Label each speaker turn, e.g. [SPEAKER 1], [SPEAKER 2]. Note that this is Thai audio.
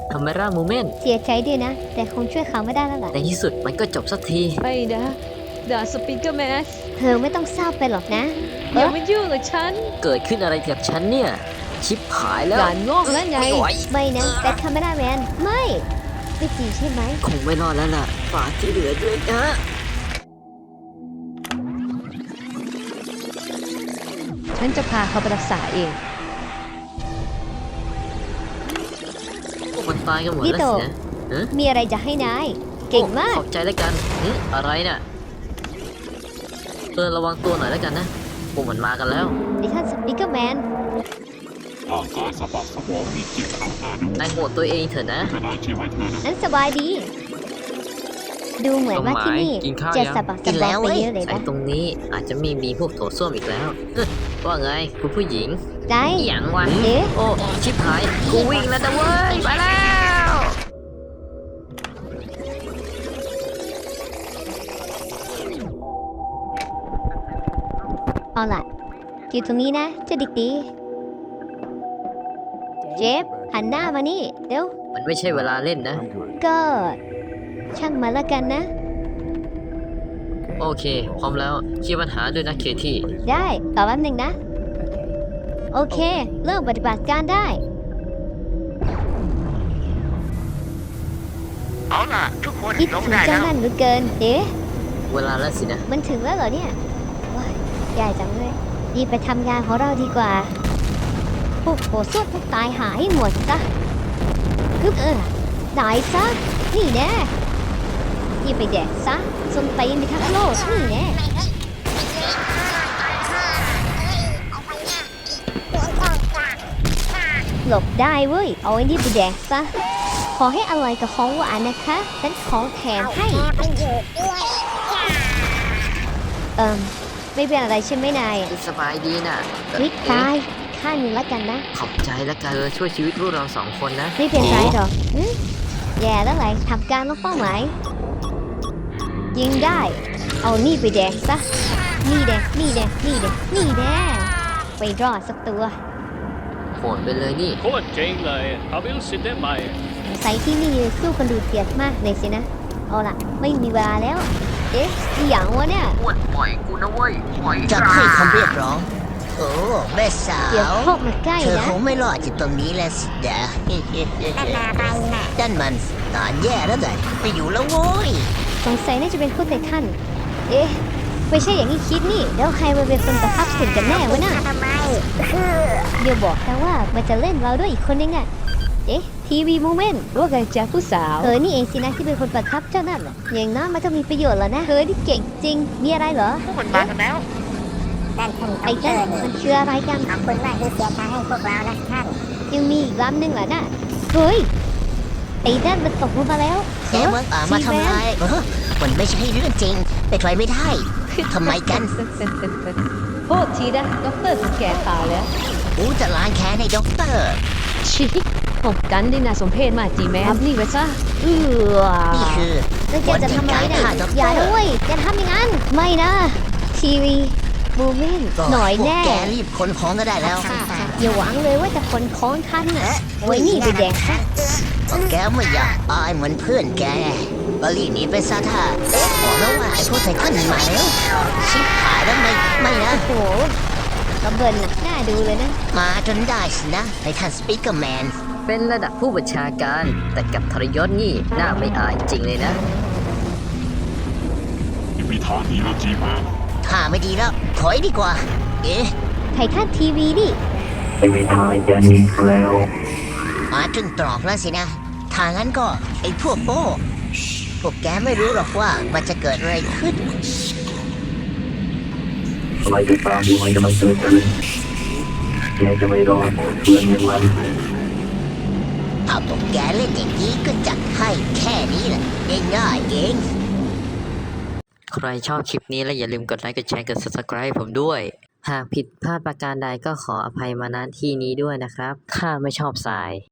[SPEAKER 1] คาเมราโมเมนต์
[SPEAKER 2] เสียใจด้วยนะแต่คงช่วยเขาไม่ได้แล้วล่ะ
[SPEAKER 1] ในที่สุดมันก็จบสักที
[SPEAKER 3] ไม่นะด่าสปีกเกอร์แมน
[SPEAKER 2] เธอไม่ต้องเศร้าไปหรอกนะ
[SPEAKER 3] อย่ามายุ่งกับฉัน
[SPEAKER 1] เกิดขึ้นอะไรกับฉันเนี่ยชิปหายแล้ว
[SPEAKER 3] ด่านงอกแล้วไง
[SPEAKER 1] ไม่ไหว
[SPEAKER 2] ไม่นะแต่คาเมราแมนไม่จริงใช่ไหม
[SPEAKER 1] คงไม่รอดแล้วล่ะฝากที่เหลือด้วยนะ
[SPEAKER 3] ฉันจะพาเขาไปรักษาเอง
[SPEAKER 1] พวกมันตายกันหมดแล้วสินะฮะ
[SPEAKER 2] มีอะไรจะให้นายเก่งมาก
[SPEAKER 1] ขอบใจแล้วกันอะไรน่ะระวังตัวหน่อยแล้วกันนะพวกมันมากันแล้ว
[SPEAKER 2] ดิท่านสปีกเกอร์แมน
[SPEAKER 4] ร่างกายสะบักสะบอมมีจิตอาสาด้วย
[SPEAKER 1] นายโหดตัวเองเถอะนะ
[SPEAKER 4] ไม่เป็นไรใช่ไหมเธอนะ
[SPEAKER 2] นั้นสบายดี ดูเหมือนว่าที่นี่
[SPEAKER 1] กินข้าว
[SPEAKER 2] จะ
[SPEAKER 1] ยัง
[SPEAKER 2] สะบักสะบอมไปเยอะเลย
[SPEAKER 1] ใช้
[SPEAKER 2] นะ
[SPEAKER 1] ตรงนี้อาจจะมีพวกโถส้วมอีกแล้วว่าไงคุณผู้หญิง
[SPEAKER 2] ได้
[SPEAKER 1] อหย่างวะ
[SPEAKER 2] เอ๊ะ
[SPEAKER 1] โอ้ชิบหายกูวิ่งแล้วนะเว้ยไปแล้ว
[SPEAKER 2] เอาล่ะอยู่ตรงนี้นะเจะดิกดีเจฟหันหน้ามานี่เดี๋ยว
[SPEAKER 1] มันไม่ใช่เวลาเล่นนะ
[SPEAKER 2] ก็ช่างมาละกันนะ
[SPEAKER 1] โอเค พร้อมแล้วเคลียร์ปัญหาด้วยนะเคที่
[SPEAKER 2] ได้ต่อแป๊บหนึ่งนะ โอเค เริ่มปฏิบัติการได้
[SPEAKER 5] เอาล่ะ ทุกคน
[SPEAKER 2] คิด
[SPEAKER 5] ลง
[SPEAKER 2] ถึง
[SPEAKER 5] ได้
[SPEAKER 2] เจ้า
[SPEAKER 5] แล้ว
[SPEAKER 2] นั่นเหลือเกินเอ๊ะ
[SPEAKER 1] เวลาแล้วสินะ
[SPEAKER 2] มันถึงแล้วเหรอเนี่ยว้ายใหญ่จังเลยรีบไปทำงานของเราดีกว่า พวกโหสวดพวกตายหายหมดซะฮึบตายซะ นี่แน่นี่ไปแดกซะส้นตีนไปทั้งโลกนี่แน่หลบได้เว้ย เอาไอ้นี่ไปแดกซะ ขอให้อร่อยกับของหวานนะคะฉันของแถมให้ ไม่เป็นอะไรใช่ไหมนาย
[SPEAKER 1] สบายดีน่ะ
[SPEAKER 2] วิกตายข้างหนึ่งแล้วกันนะ
[SPEAKER 1] ขอบใจแล้วกันช่วยชีวิตพวกเราสองคนนะ
[SPEAKER 2] ไม่เป็นไรหรอกแย่แล้วไรทำการลดเป้าหมายยิงได้ เอานี่ไปแดกซะ นี่แดกนี่แดกนี่แดกนี่แดกไปรอดสักตัว
[SPEAKER 1] โหดไปเลยนี่
[SPEAKER 6] โคตรเจ๋งเลยทำให้รู้สึกได้ใหม่
[SPEAKER 2] ใส่ที่นี่สู้กันดูเดือดมากเลยสินะ เอาล่ะ ไม่มีเวลาแล้ว เอ๊ะอีหยังวะเนี่ย
[SPEAKER 1] อ้วนปล่อยกูนะเว้ยปล่อย
[SPEAKER 5] จะให้คำเรียกร้อง โอ้แม่สา
[SPEAKER 2] เดี๋ยว
[SPEAKER 5] ว
[SPEAKER 2] พวกมาใกล้
[SPEAKER 5] เธอ
[SPEAKER 2] นะ
[SPEAKER 5] คงไม่รอดจากตรงนี้แล้วสิดาด้านมันนานแย่แล้วแต่ไปอยู่แล้วโว้ย
[SPEAKER 2] สงสัยน่าจะเป็นผู้ไต่ท่าน เอ๊ะ ไม่ใช่อย่างที่คิดนี่ แล้วใครมาเป็นคนประทับสินกันแน่วะน่ะเดี๋ยวบอกนะว่ามันจะเล่นเราด้วยอีกคนนึงอ่ะ เอ๊ะ ทีวีโมเมนต์
[SPEAKER 3] ว่าไงจ๊ะผู้สาว
[SPEAKER 2] นี่เองสินะที่เป็นคนประทับเจ้านั่นน่ะอย่างน้อยมันก็มีประโยชน์แล้วนะนี่เก่งจริง มีอะไรเหรอ
[SPEAKER 5] พวกมันมากันแล้ว
[SPEAKER 2] ไอ้นั่นมันคืออะไรกัน
[SPEAKER 7] ขอบคุณมากที่เสียทางให้พวกเรานะท่าน
[SPEAKER 2] ยังมีอีกลำหนึ่งเหรอน่ะ เฮ้ย ไอ้นั่นมันตกลงมาแล้ว
[SPEAKER 5] แกมึงมาทำลายมันไม่ใช่เรื่องจริงไปนไปไม่ได้ทำไมกัน
[SPEAKER 3] โทษทีนะด็อกเตอร์ถึงแก่ตายแล้ว
[SPEAKER 5] กูจะล้างแค้นให้ด็อกเตอร์
[SPEAKER 3] ชิผมกันได้น่าสมเพชมากจีแมนนี่ไปซะ
[SPEAKER 5] นี่คือ
[SPEAKER 2] แล้วแกจะทำอะไรเนี่ย
[SPEAKER 5] ฆ่าด็อกเตอร์
[SPEAKER 2] อย่าด้วยอย่าทำอย่างนั้น ไม่นะ ทีวีโมเมนต์หน่อยแน่
[SPEAKER 5] พวกแกรีบขนของก็ได้แล้ว
[SPEAKER 2] อย่าหวังเลยว่าจะคนคล้องทันน่ะไว้นี่ไปแดกซะ
[SPEAKER 5] พวกแกไม่อยากตายเหมือนเพื่อนแกก็รีบหนีไปซะท่าบอกแล้วว่าไอ้พวกไททันมาแล้วชิบหายแล้วไม่นะ
[SPEAKER 2] โอ้โหกระเบินน่ะน่าดูเลยนะ
[SPEAKER 5] มาจนได้สินะไททันสปีกเกอร์แมน
[SPEAKER 1] เป็นระดับผู้บัญชาการ แต่กับทรยศนี่น่าไม่อายจริงเลยนะ
[SPEAKER 4] ไม่มีทางหนีแล้วจีแมน
[SPEAKER 5] ถ้าไม่ดีแล้วถอยดีกว่า เอ๊ะ
[SPEAKER 2] ไททันทีวีนี่
[SPEAKER 4] ไม่มีทางจะหนีแล้ว
[SPEAKER 5] มาจนตรอกแล้วสินะทางนั้นก็ไอ้พวกโป้พวกแกไม่รู้หรอกว่ามันจะเกิดอะไรขึ้น
[SPEAKER 4] อะไรก็ตามที่มันกำลังเกิดขึ้นแกจะไม่รอดเพื่อนอย่างมัน
[SPEAKER 5] ถ้าพวกแกเล่นอย่างนี้ก็จัดให้แค่นี้แหละง่ายๆเอง
[SPEAKER 1] ใครชอบคลิปนี้และอย่าลืมกดไลค์กดแชร์กด subscribe ผมด้วย หากผิดพลาดประการใดก็ขออภัยมาณที่นี้ด้วยนะครับ ถ้าไม่ชอบสาย